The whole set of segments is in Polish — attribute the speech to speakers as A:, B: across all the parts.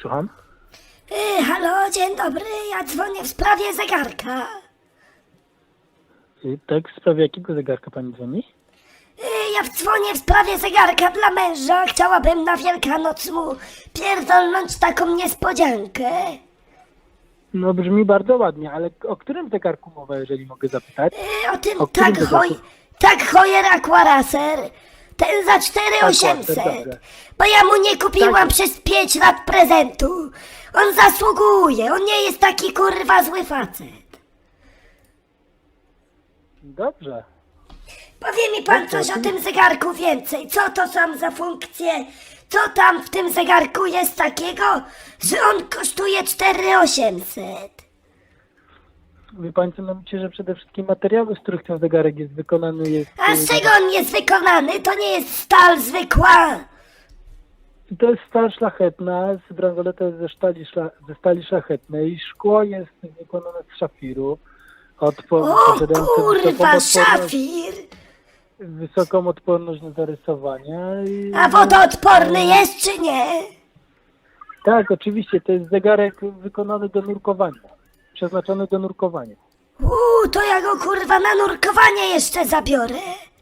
A: słucham.
B: Halo, dzień dobry, ja dzwonię w sprawie zegarka.
A: Tak, w sprawie jakiego zegarka pani dzwoni?
B: Ja dzwonię w sprawie zegarka dla męża. Chciałabym na Wielkanoc mu pierdolnąć taką niespodziankę.
A: No brzmi bardzo ładnie, ale o którym zegarku mowa, jeżeli mogę zapytać?
B: O tym
A: O którym zegarku?
B: tak Heuer Aquaracer. Ten za 4800.
A: Dobrze.
B: Bo ja mu nie kupiłam
A: Tak.
B: przez 5 lat prezentu. On zasługuje, on nie jest taki kurwa zły facet.
A: Dobrze.
B: Powie mi pan
A: Dobrze,
B: coś o
A: to-
B: tym zegarku więcej. Co to są za funkcje? Co tam w tym zegarku jest takiego, że on kosztuje 4800?
A: Wie pani co, no myślę, że przede wszystkim materiały, z których ten zegarek jest wykonany jest...
B: A z czego on jest wykonany? To nie jest stal zwykła.
A: To jest stal szlachetna, bransoleta jest ze stali szlachetnej, szkło jest wykonane z szafiru.
B: O
A: Posiadające
B: kurwa, szafir.
A: wysoką odporność na zarysowania.
B: A wodoodporny jest czy nie?
A: Tak, oczywiście, to jest zegarek wykonany do nurkowania. Przeznaczony do nurkowania.
B: To ja go kurwa na nurkowanie jeszcze zabiorę.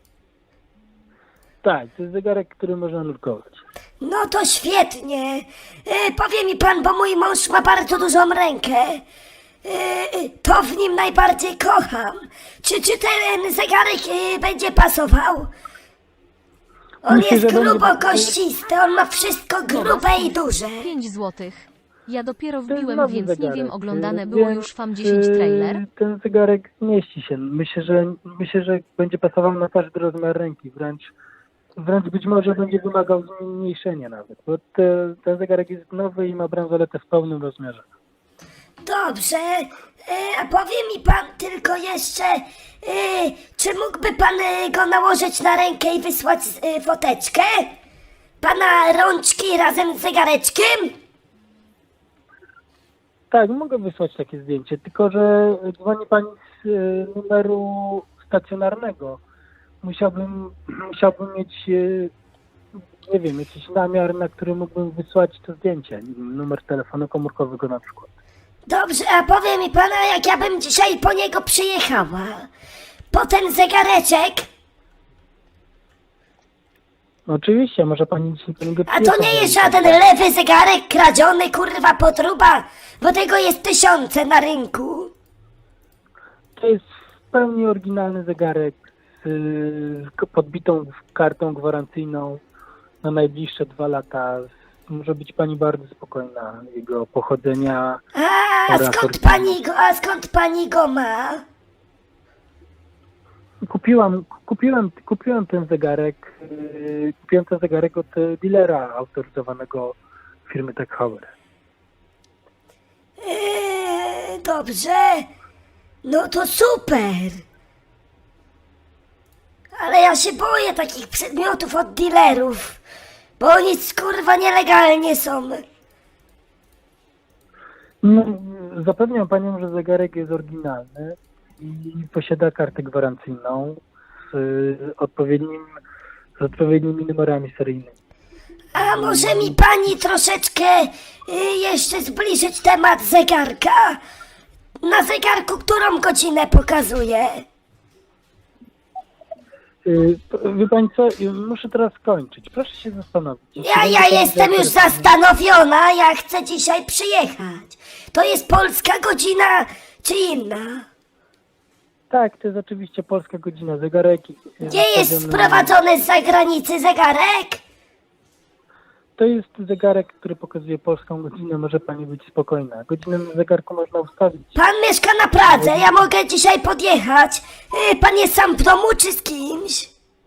A: Tak, to jest zegarek, który można nurkować.
B: No to świetnie. Powie mi pan, bo mój mąż ma bardzo dużą rękę. To w nim najbardziej kocham. Czy ten zegarek będzie pasował? On
A: Myślę,
B: jest
A: że będzie-
B: grubo kościsty, on ma wszystko grube i duże.
C: 5 złotych. Ja dopiero
A: To jest
C: wbiłem,
A: nowy
C: więc nie
A: zegarek.
C: wiem, oglądane było
A: Więc,
C: już FAM 10 trailer.
A: Ten zegarek mieści się. Myślę, że będzie pasował na każdy rozmiar ręki. Wręcz być może będzie wymagał zmniejszenia nawet. Bo ten zegarek jest nowy i ma bransoletę w pełnym rozmiarze.
B: Dobrze, a powie mi pan tylko jeszcze, czy mógłby pan go nałożyć na rękę i wysłać foteczkę? Pana rączki razem z zegareczkiem?
A: Tak, mogę wysłać takie zdjęcie, tylko że dzwoni pani z numeru stacjonarnego. Musiałbym mieć, nie wiem, jakiś namiar, na który mógłbym wysłać to zdjęcie. Numer telefonu komórkowego na przykład.
B: Dobrze, a powie mi pana, jak ja bym dzisiaj po niego przyjechała. Po ten zegareczek,
A: Oczywiście, może pani dzisiaj po niego
B: a to
A: przyjechać.
B: nie jest żaden lewy zegarek kradziony, kurwa, potruba, bo tego jest tysiące na rynku.
A: To jest w pełni oryginalny zegarek z podbitą kartą gwarancyjną na najbliższe 2 lata. Może być pani bardzo spokojna jego pochodzenia.
B: A skąd pani go ma?
A: Kupiłem ten zegarek. Kupiłem ten zegarek od dealera autoryzowanego firmy Tech Heuer.
B: Dobrze. No to super. Ale ja się boję takich przedmiotów od dealerów, bo oni kurwa nielegalnie są.
A: No, zapewniam panią, że zegarek jest oryginalny i posiada kartę gwarancyjną z odpowiednimi numerami seryjnymi.
B: A może mi pani troszeczkę jeszcze zbliżyć temat zegarka? Na zegarku którą godzinę pokazuje?
A: Wie pani co, muszę teraz skończyć. Proszę się zastanowić.
B: Ja jestem już zastanowiona, ja chcę dzisiaj przyjechać. To jest polska godzina czy inna?
A: Tak, to jest oczywiście polska godzina. Zegarek
B: Nie jest sprowadzony z zagranicy zegarek?
A: To jest zegarek, który pokazuje polską godzinę. Może pani być spokojna. Godzinę na zegarku można ustawić.
B: Pan mieszka na Pradze, ja mogę dzisiaj podjechać. Pan jest sam w domu czy z kimś?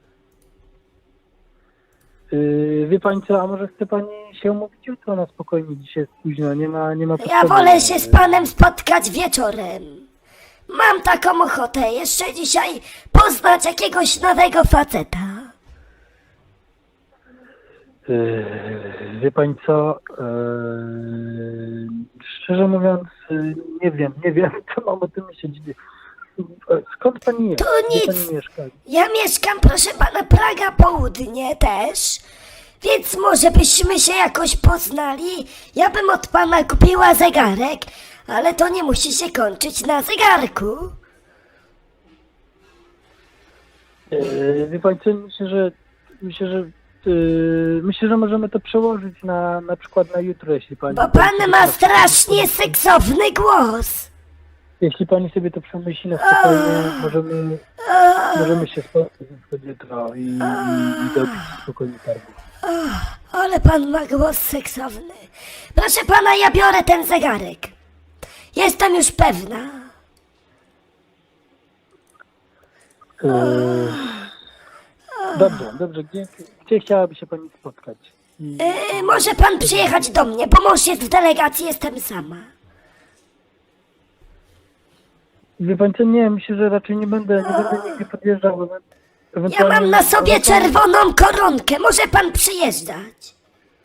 A: Wie pani co, a może chce pani się umówić jutro na spokojnie? Dzisiaj jest późno, nie ma
B: Ja
A: potrzeby.
B: wolę się z panem spotkać wieczorem. Mam taką ochotę jeszcze dzisiaj poznać jakiegoś nowego faceta.
A: Wie pani co, szczerze mówiąc, nie wiem, co mam o tym myśleć. Skąd pani jest?
B: To
A: Gdzie
B: nic.
A: pani mieszka?
B: Ja mieszkam, proszę pana, Praga Południe też. Więc może byśmy się jakoś poznali? Ja bym od pana kupiła zegarek, ale to nie musi się kończyć na zegarku.
A: Wie pani co, myślę, że możemy to przełożyć na przykład na jutro, jeśli pani...
B: Bo pan ma strasznie seksowny głos.
A: Jeśli pani sobie to przemyśli na spokojnie, możemy się spotkać na przykład jutro i dobić spokojnie targu.
B: Ale pan ma głos seksowny. Proszę pana, ja biorę ten zegarek. Jestem już pewna.
A: Dobrze. Gdzie chciałaby się pani spotkać?
B: Może pan przyjechać do mnie, bo mąż jest w delegacji, jestem sama.
A: Wie pani co, nie, myślę, że raczej nie będę nigdzie podjeżdżał.
B: Ja mam na sobie czerwoną koronkę, może pan przyjeżdżać.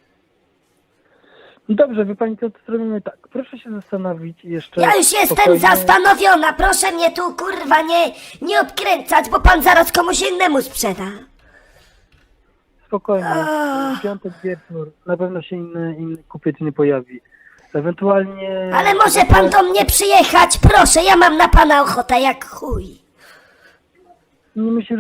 A: Dobrze, wie pani co, to zrobimy tak. Proszę się zastanowić jeszcze.
B: Ja już jestem
A: spokojnie.
B: zastanowiona, proszę mnie tu kurwa nie odkręcać, bo pan zaraz komuś innemu sprzeda.
A: Spokojnie. W piątek wieczór na pewno się inny kupiec nie pojawi. Ewentualnie...
B: Ale może pan do mnie przyjechać, proszę, ja mam na pana ochotę jak chuj.
A: Nie myślę,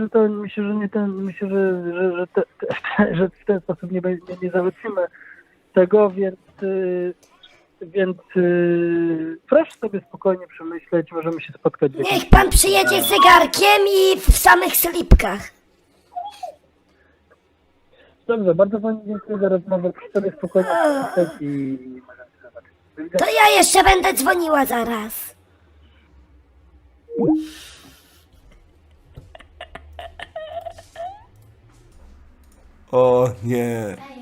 A: że w ten sposób nie załatwimy tego, więc proszę sobie spokojnie przemyśleć, możemy się spotkać.
B: Niech pan przyjedzie z zegarkiem i w samych slipkach.
A: Dobrze, bardzo pani dziękuję za rozmowę. Proszę sobie spokojnie przemyśleć i możemy się zobaczyć. Do widzenia.
B: To ja jeszcze będę dzwoniła zaraz.
D: O nie.